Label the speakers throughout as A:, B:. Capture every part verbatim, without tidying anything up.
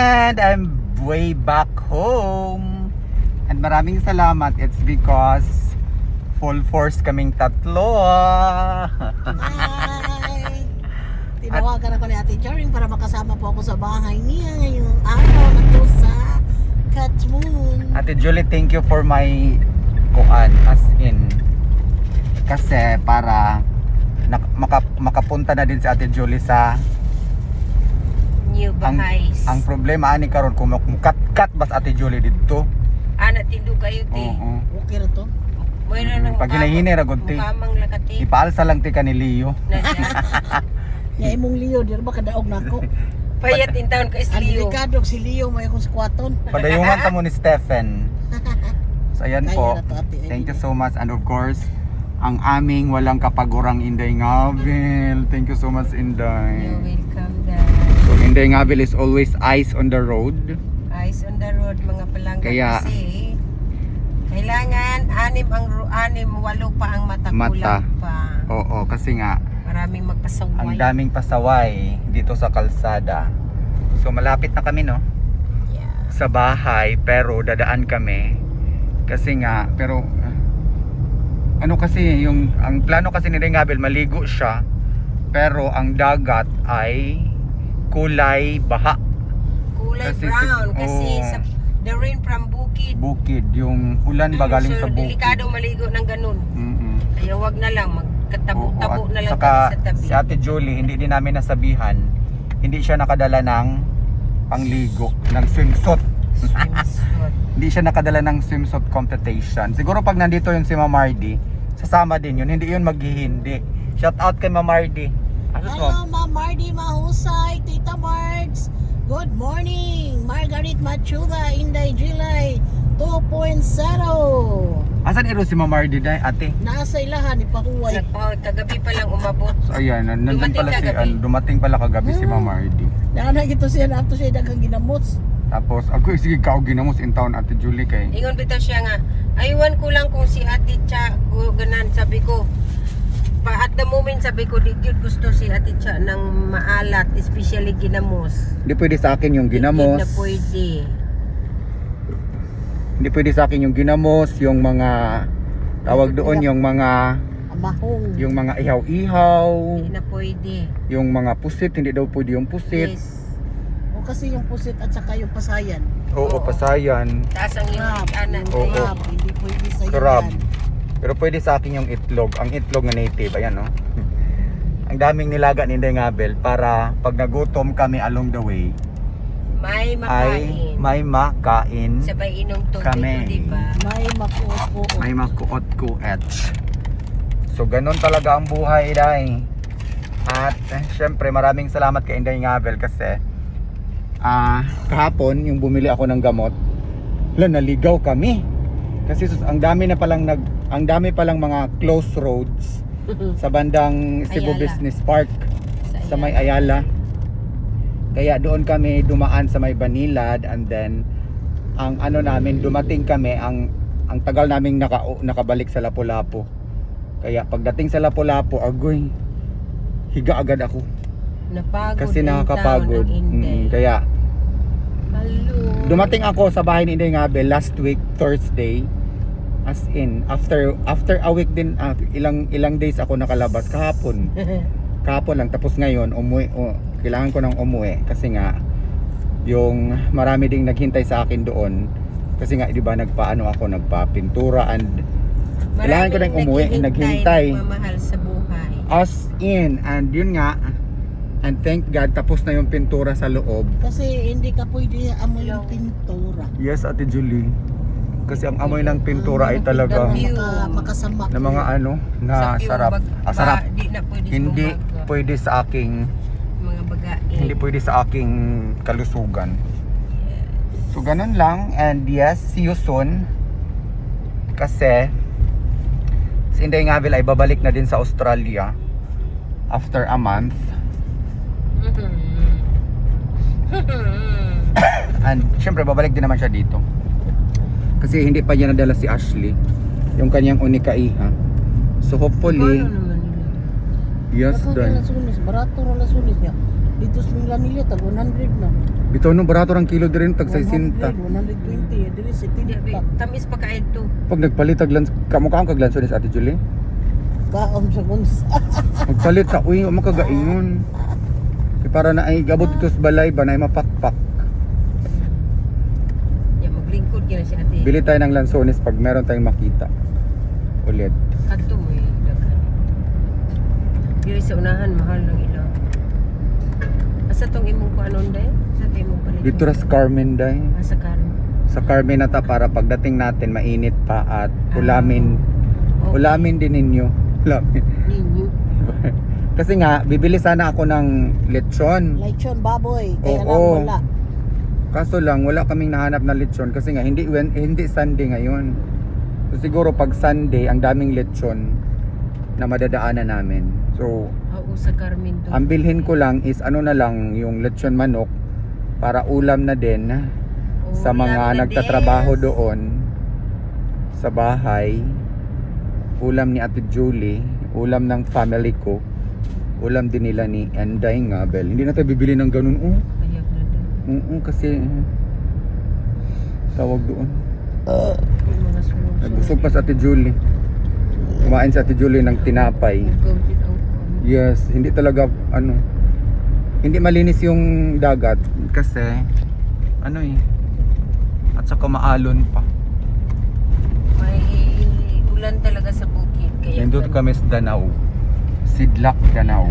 A: And I'm way back home. And maraming salamat. It's because full force kaming tatlo.
B: Hi! Tinawagan ako ni Ate Joring para makasama po ako sa bahay niya ngayong araw na to sa Katmoon.
A: Ate Julie, thank you for my kuan, as in. Kasi para nak- maka, makapunta na din si Ate Julie sa
C: New
A: ang,
C: Bahays.
A: ang problema ani karon kung mukat-kat bas Ate Julie dito.
C: Ana tindog kayo ti.
A: Oo.
B: Okay na to?
C: Mayroon ng
A: Pag hinahini ra gud ti.
C: Mukamang lakati.
A: Ipaalsa lang ti ka ni Leo.
B: Nga imong Leo, di ba kadaog na ako?
C: Payat in town ka is
B: Ang
C: Leo.
B: delikado si Leo, may akong squaton.
A: Padayungan ta mo ni Stephen. So ayan
B: Kaya
A: po.
B: na to, Ate.
A: Thank you so much, and of course ang aming walang kapagurang Inday Ngabel. Thank you so much,
C: You're
A: Inday.
C: welcome guys.
A: So Inday Ngabel is always eyes on the road.
C: Eyes on the road mga palangga
A: Kaya-
C: kasi kailangan anim ang ru- anim walo pa ang mata,
A: Mata.
C: kulang pa.
A: Oo, kasi nga
C: Maraming magpasaway.
A: ang daming pasaway dito sa kalsada. So malapit na kami, no?
C: Yeah.
A: Sa bahay, pero dadaan kami. Kasi nga, pero uh, ano kasi yung ang plano kasi ni Inday Ngabel, maligo siya. Pero ang dagat ay kulay baha.
C: Kulay
A: Kasi-
C: brown kasi
A: oo.
C: sa the rain from bukid.
A: Bukid, yung ulan ba galing
C: so,
A: sa bukid.
C: delikado maligo ng ganun.
A: Mm-mm.
C: Kaya wag na lang magkatabo-tabo
A: Oo,
C: na
A: at
C: lang
A: saka
C: kami sa tabi.
A: si Ate Julie, hindi din namin nasabihan, hindi siya nakadala ng pangligo, ng swimsuit.
C: Swimsuit.
A: Hindi siya nakadala ng swimsuit competition. Siguro pag nandito yung si Ma'am Mardy, sasama din yun, hindi yun maghihindi. Shout out kay Ma'am Mardy. Ano mo?
B: Hello, Ma'am Mardy Mahusay, Tita Mards. Good morning, Margaret Machuga, Inday July two point oh.
A: Asan iro si Ma'am Mardy day, ate?
B: Nasa ilahan, ipahuway.
C: Nagpahod, kagabi pa lang umabot.
A: So ayan, nan- nandun
C: Dumating
A: pala si,
C: kagabi.
A: ano, dumating pala kagabi si Ma'am Mardy.
B: Nana gito siya na ato siya daghang ginamots.
A: Tapos, ako sige ka ginamos in town, Ate Julie, kay
C: Ingon bitaw siya nga, aywan ko lang kung si Ate Cha ko ganan, sabi ko. Pa at the moment sabi ko, di gyud gusto si Ate Cha ng maalat, especially ginamos.
A: hindi pwede sa akin yung ginamos.
C: Di na pwede.
A: Hindi pwede sa akin yung ginamos, yung mga tawag doon, yung mga
B: Amahong.
A: yung mga ihaw-ihaw,
C: Di na pwede.
A: yung mga pusit, hindi daw pwede yung pusit.
C: Yes.
B: O kasi yung pusit at saka yung pasayan.
A: Oo,
C: Oo.
A: pasayan.
C: Taas ang iyong anan.
A: Oo.
B: Crab, hindi pwede sa
A: Crab.
B: yan.
A: Pero pwede sa akin yung itlog, ang itlog na native, ayan, no. Ang daming nilaga ni Inday Ngabel para pag nagutom kami along the way
C: May
A: ay
C: makain.
A: may makain,
C: Sabay inom tubig,
A: Kami.
C: di ba?
B: May makuot-kuot.
A: may makuot-kuet. So ganun talaga ang buhay, day. At eh, syempre maraming salamat kay Inday Ngabel kasi ah kahapon yung bumili ako ng gamot, wala, naligaw kami. Kasi sus, ang dami na palang nag ang dami palang mga close roads sa bandang Cebu
C: Ayala.
A: Business Park
C: Sa
A: sa may Ayala. Kaya doon kami dumaan sa may Banilad, and then ang ano namin, dumating kami, ang ang tagal naming naka, nakabalik sa Lapu-Lapu. Kaya pagdating sa Lapu-Lapu, agoy, higa agad ako
C: Napagod
A: kasi
C: in
A: nakakapagod.
C: town ang Inday.
A: Mm, kaya
C: Hello.
A: dumating ako sa bahay ni Inday Ngabel last week Thursday. As in, after after a week din, ah, ilang ilang days ako nakalabas kahapon. Kahapon lang, tapos ngayon umuwi, oh, kailangan ko nang umuwi kasi nga yung marami ding naghintay sa akin doon kasi nga, di ba, nagpaano ako, nagpa-pintura, and kailangan ko nang umuwi, naghintay.
C: Nagmamahal sa buhay.
A: As in, and yun nga, and thank God tapos na yung pintura sa loob.
B: Kasi hindi ka pwede amoy yung pintura.
A: Yes, Ate Julie, kasi ang amoy ng pintura ay
B: Ang
A: talaga
B: pintura maka, makasama.
A: na mga ano na
C: Sa- yung
A: sarap.
C: bag-
A: Ah, sarap.
C: ba- di na pwede
A: Hindi
C: bumaga.
A: pwede sa aking
C: Mga bagain.
A: hindi pwede sa aking kalusugan. So ganun lang, and yes, see you soon. Kasi si Inday Ngabel ay babalik na din sa Australia after a month. And syempre babalik din naman siya dito. Kasi hindi pa niya nadala si Ashley, yung kanyang unikaiha. So hopefully,
C: Kaya naman nila.
A: yes,
B: Barato
A: done.
B: na sunis, barato na sunis niya. Dito sa Manila tag one hundred na.
A: Bitaw no barato rang kilo diri tag sixty.
B: one hundred twenty diri sa
C: Di, bi-
B: tinta.
C: tamis pa kain to.
A: Pag nagpalit tag lans kamo kaon kag lansones Ate Julie.
B: Kaon sa guns.
A: Magpalit ka uy makagaingon. Kay para na ay gabot dito sa balay ba na ay mapakpak.
C: Ya maglingkod gyud si ate.
A: Bili tayo ng lansones pag meron tayong makita. Ulit.
C: Kadto mo eh, daghan. Diri sa unahan mahal ng ilaw. Asa tong imong kuanon day? Sa imong palit.
A: Dito ra sa Carmen day.
C: Asa karon.
A: Sa Carmen na ta para pagdating natin mainit pa at ulamin.
C: Okay.
A: Ulamin din ninyo. Ulamin.
C: Ninyo.
A: Kasi nga bibili sana ako ng lechon.
B: Lechon baboy kaya
A: Oo.
B: lang wala.
A: Kaso lang wala kaming nahanap na lechon kasi nga hindi when, hindi Sunday ngayon. So siguro pag Sunday ang daming lechon na madadaanan namin. So
C: Oo sa Carmen to.
A: ang bilhin ko lang is ano na lang yung lechon manok para ulam na din sa
C: Ulam
A: mga
C: na
A: nagtatrabaho
C: des.
A: doon sa bahay. Ulam ni Ate Julie, ulam ng family ko, ulam din nila ni Enday nga Bel. Hindi na tayo bibili ng ganun oh.
C: Ayag na din.
A: Oo kasi tawag doon.
C: Yung mga sunod.
A: Nagusog pa sa Ate Julie. Kumain sa Ate Julie ng tinapay.
C: Gawin ang kuan.
A: Yes, hindi talaga ano. Hindi malinis yung dagat kasi ano eh. At saka maalon pa.
C: May ulan talaga sa bukid kaya
A: Nandito kami sa Danau. Sidlak Danau.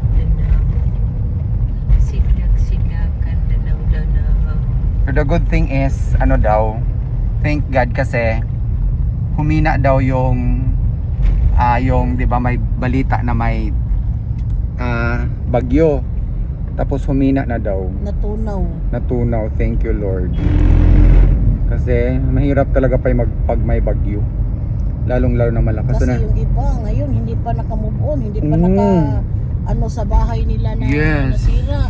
C: Sidlak sidlakan Danau Danau.
A: So the good thing is ano daw, thank God kasi humina daw yung ah yung 'di ba may balita na may ah bagyo. Tapos humina na daw.
B: Natunaw.
A: Natunaw, thank you Lord. Kasi mahirap talaga pa mag pag may bagyo. Lalong lalo na malakas
B: Kasi
A: na.
B: yung iba ngayon hindi pa naka-move on, hindi pa
A: Mm.
B: naka ano sa bahay nila na
A: Yes.
B: nasira.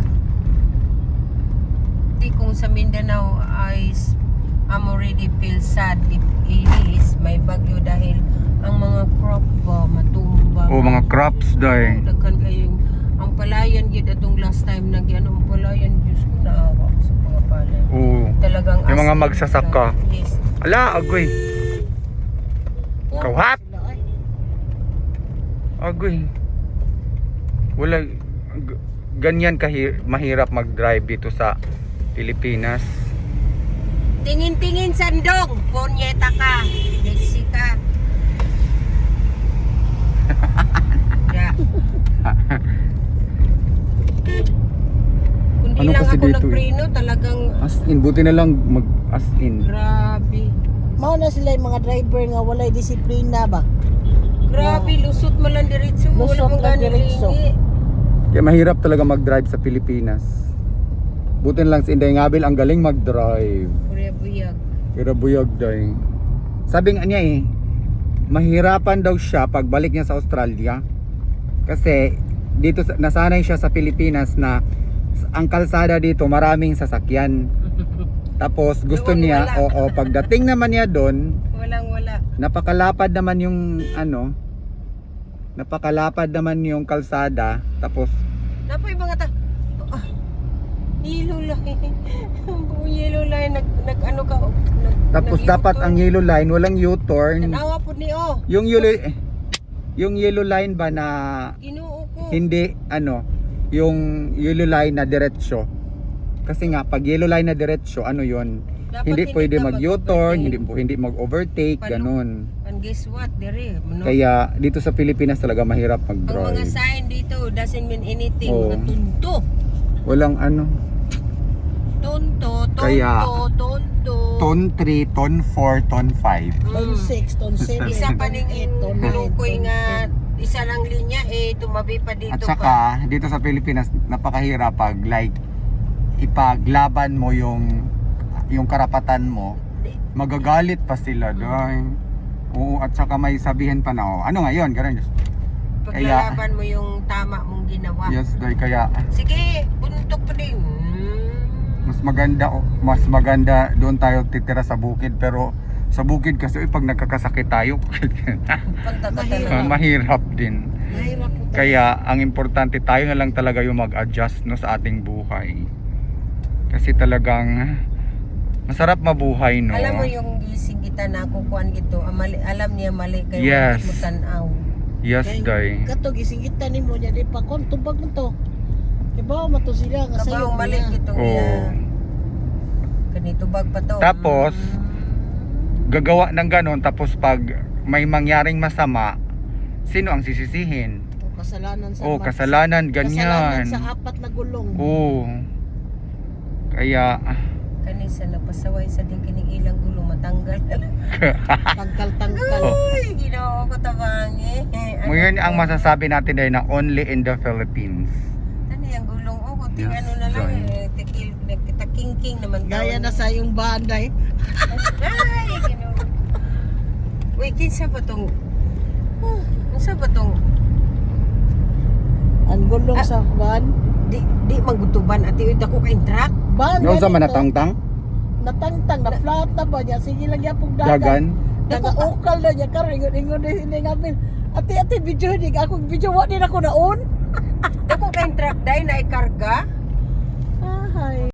C: Di kung sa Mindanao ay s- I'm already feel sad if it is may bagyo dahil ang mga crop ba matumba.
A: Oh, mga crops dahil.
C: Daghan kayo ang palayan gid atong last time na ano ang palayan Diyos ko naawa ko sa mga palay.
A: Oo.
C: Talagang
A: Yung mga
C: as in,
A: magsasaka.
C: Yes.
A: Ala, agoy.
B: Oh,
A: Kawat!
B: sila, ay.
A: Agoy. Wala g- ganyan kahi mahirap mag-drive dito sa Pilipinas.
C: Tingin-tingin sandong, ponyeta ka, Mexica. Ya. Kundi
A: Ano
C: lang
A: kasi
C: ako
A: dito eh?
C: nagpreno, talagang
A: As in, buti na lang mag as in.
C: grabe.
B: Mao na sila yung mga driver nga walay disiplina ba?
C: Grabe, lusot mo lang diretso. Wala
B: Lusot
C: mong
B: lang
C: ganun
B: diretso.
C: lingi.
A: Kaya mahirap talaga mag-drive sa Pilipinas. Buti na lang si Inday Ngabil ang galing mag-drive.
C: Kuya buyag.
A: Pero buyag daw. Sabi nga niya eh, mahirapan daw siya pagbalik niya sa Australia. Kasi dito sa- nasanay siya sa Pilipinas na ang kalsada dito maraming sasakyan. Tapos gusto
C: Doon
A: niya,
C: wala.
A: oo, pagdating naman niya doon,
C: Walang wala.
A: napakalapad naman yung ano, napakalapad naman yung kalsada. Tapos
C: Napoy mga ta... Ah, yellow line. Ang buong yellow line. Nag, nag ano ka... Nag,
A: tapos
C: nag-
A: dapat
C: U-turn.
A: ang yellow line walang U-turn.
C: Tanawa po ni oh.
A: Yung yellow yung yellow line ba na
C: Ginoo ko.
A: hindi ano, yung yellow line na diretsyo. Kasi nga pag yellow line na diretsyo, ano 'yon?
C: Dapat
A: Hindi
C: hindi
A: pwede
C: ka
A: mag-U-turn,
C: mag-overtake.
A: hindi hindi mag-overtake,
C: Paano?
A: ganun.
C: And guess what? Dere, no?
A: Kaya dito sa Pilipinas talaga mahirap
C: ang mga
A: mag-drive.
C: sign dito doesn't mean anything.
A: Oo.
C: Mga tunto.
A: Walang ano,
C: Tonto, tonto,
A: Kaya-
C: tonto.
A: ton three, ton four, ton five.
B: Ton
C: Mm.
B: six, ton seven,
C: Isa pa
B: ton
C: ning
B: eight, ton nine,
C: lukoy
B: ton
C: nga
B: ten.
C: isa lang linya eh tumabi pa dito
A: At
C: pa.
A: saka dito sa Pilipinas napakahirap pag like ipaglaban mo yung yung karapatan mo, magagalit pa sila dahil. Oo, at saka may sabihin pa na, oh, ano nga yun, ganun. Kaya-
C: Paglalaban mo yung tama mong ginawa.
A: Yes, dahil kaya
C: Sige, buntok pa din. Hmm.
A: mas maganda oh, mas maganda doon tayo titira sa bukid, pero sa bukid kasi uy, pag nagkakasakit tayo
C: Punta ka
B: Mahirap.
C: talaga.
A: mahirap din.
B: Mahirap po
A: Kaya ang importante tayo na lang talaga yung mag-adjust no sa ating buhay. Kasi talagang masarap mabuhay no.
C: Alam mo yung gising kita na kukuan gito, ah, mali, alam niya mali kayo
A: Yes.
C: mo tanaw.
A: Yes, day.
B: Kato gisingitan nimo niya di pa kon tubag mo to. Diba mato sila nga
C: Kabaw
B: sayo
C: mali
B: niya.
C: gito
A: Oo.
C: niya. Kanito bag pa to.
A: Tapos, gagawa ng ganon, tapos pag may mangyaring masama, sino ang sisisihin?
B: O kasalanan sa
A: Oh,
B: ma-
A: kasalanan,
B: kasalanan
A: ganyan.
B: sa apat na gulong.
A: Oo. Kaya,
C: Kanisa napasaway sa din kining ilang gulo matanggal.
B: Tangkal-tangkal.
C: Uy, ginoo ko tabang eh.
A: ngayon ang masasabi natin ay na only in the Philippines.
C: Ano yung gulong oh, kunting
A: Yes,
C: ano na lang
A: Joy.
C: eh. Tikil, nagkitakingking naman
B: Gaya
C: tawag
B: na
C: niya.
B: sa yung banday.
C: Ay, ginoo. Uy, kinsa ba tong kinsa ba tong
B: Ang gulong
C: Ah.
B: sa van.
C: di di magutuban ati uy dako kay truck.
B: Van
A: Yung sa
B: ganito.
A: manatangtang,
B: Natangtang na flat na ba niya? Sige lang niya pong dagan.
A: dagan.
B: Nag-ukal na niya karon ingon ingon din hindi ngamin. Ate ate video din ako video wa din ako naon.
C: Dako kay truck dai na